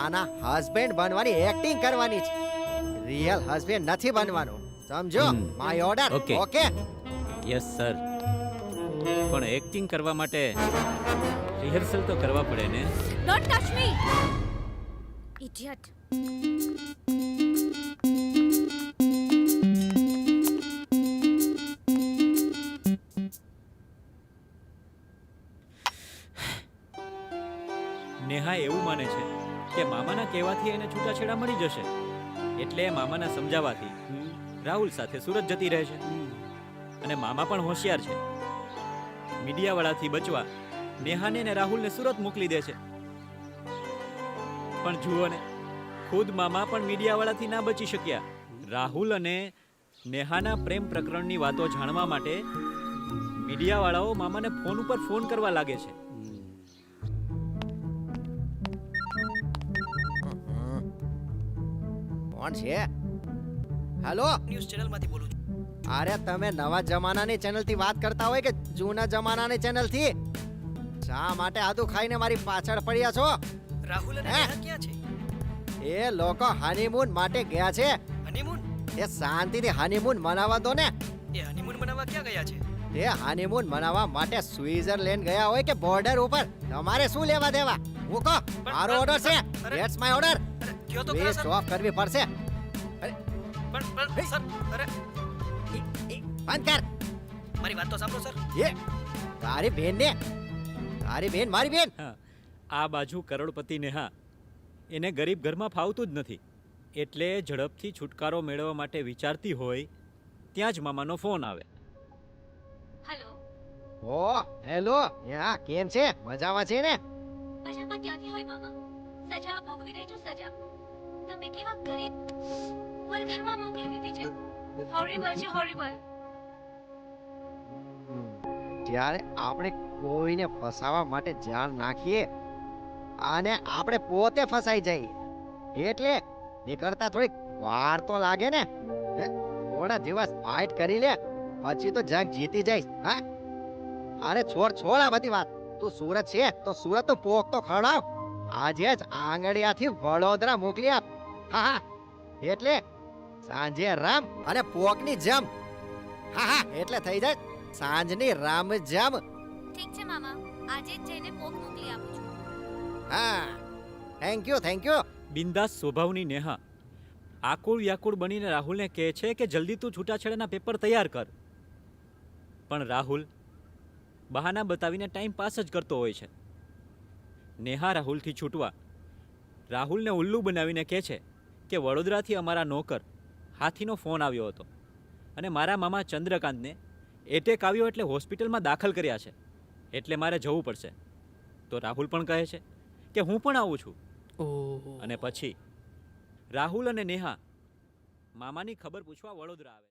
આના હસબન્ડ બનવાની એક્ટિંગ કરવાની છે, રિયલ હસબન્ડ નથી બનવાનું, સમજો? My order. Okay. Okay? Yes sir. પણ એક્ટિંગ કરવા માટે રિહર્સલ તો કરવા પડે ને. Don't touch me idiot. Neha એવું માને છે કે મામાના કહેવાથી એને છૂટાછેડા મળી જશે, એટલે મામાના સમજાવવાથી રાહુલ સાથે સુરત જતી રહે છે. અને મામા પણ હોશિયાર છે, મીડિયાવાળાથી બચવા નેહાને અને રાહુલને સુરત મોકલી દે છે. પણ જુઓ ને, ખુદ મામા પણ મીડિયાવાળાથી ના બચી શક્યા. રાહુલ અને નેહાના પ્રેમ પ્રકરણની વાતો જાણવા માટે મીડિયાવાળાઓ મામાને ફોન ઉપર ફોન કરવા લાગે છે. કોણ છે? હેલો, ન્યૂઝ ચેનલમાંથી બોલું છું. અરે તમે નવા જમાનાની ચેનલથી વાત કરતા હોય કે જૂના જમાનાની ચેનલથી? શા માટે આદુ ખાઈને મારી પાછળ પડ્યા છો? રાહુલ અને હે? નેહા ક્યાં છે? એ લોકો હનીમૂન માટે ગયા છે. હનીમૂન? એ શાંતિથી હનીમૂન મનાવવા દો ને. એ હનીમૂન મનાવવા ક્યાં ગયા છે? એ હનીમૂન મનાવવા માટે સ્વિટ્ઝરલેન્ડ ગયા હોય કે બોર્ડર ઉપર, તમારે શું લેવા દેવા? હું કહો, મારો ઓર્ડર છે, અરે. That's my order. અરે કયો તો ખરા પ્લીઝ સર. સ્ટોપ કરવી પડશે. પણ સર, અરે બંધ કર. મારી વાત તો સાંભળો સર. એ તારી બેન ને, તારી બેન મારી બેન. હા, આ બાજુ કરોડપતિ નેહા, એને ગરીબ ઘરમાં ફાવતું જ નથી, એટલે ઝડપથી છુટકારો મેળવવા માટે વિચારતી હોય ત્યાં જ મામાનો ફોન આવે. હેલો. ઓ હેલો, યા કેમ છે? મજામાં છે ને? મજામાં ક્યાંથી હોય મામા? સજા ભોગવી રહી છું, સજા. તમે કેવા ગરીબ વલઘરમાં મોકલી દીધી છે. હોરિબલ છે, હોરિબલ. જ્યારે આપણે કોઈને ફસાવા માટે જાળ નાખીએ અને આપણે પોતે ફસાઈ જઈએ, એટલે નીકળતા થોડીક વાર તો લાગે ને. હે? થોડા દિવસ ફાઇટ કરી લે, પછી તો જંગ જીતી જઈશ. હા, અરે છોડ આ બધી વાત. તું સુરત છે તો સુરત નું પોક તો ખવડાવ. આજે જ આંગળીયાથી વડોદરા મોકલી આપ. હા હા, એટલે સાંજે રામ અને પોકની જમ. હા હા, એટલે થઈ જાય સાંજની રામ જમ. ઠીક છે મામા, આજે જ જઈને પોક મોકલી આપું છું. હા, થેન્ક યુ. બિંદાસ સ્વભાવની નેહા આકુળ વ્યાકુળ બનીને રાહુલને કહે છે કે જલ્દી તું છૂટાછેડાના પેપર તૈયાર કર. પણ રાહુલ બહાના બતાવીને ટાઈમ પાસ જ કરતો હોય છે. નેહા રાહુલથી છૂટવા રાહુલને ઉલ્લુ બનાવીને કહે છે કે વડોદરાથી અમારા નોકર હાથીનો ફોન આવ્યો હતો અને મારા મામા ચંદ્રકાંતને એટેક આવ્યો એટલે હોસ્પિટલમાં દાખલ કર્યા છે, એટલે મારે જવું પડશે. તો રાહુલ પણ કહે છે કે હું પણ આવું છું. અને પછી રાહુલ અને નેહા મામાની ખબર પૂછવા વડોદરા આવે.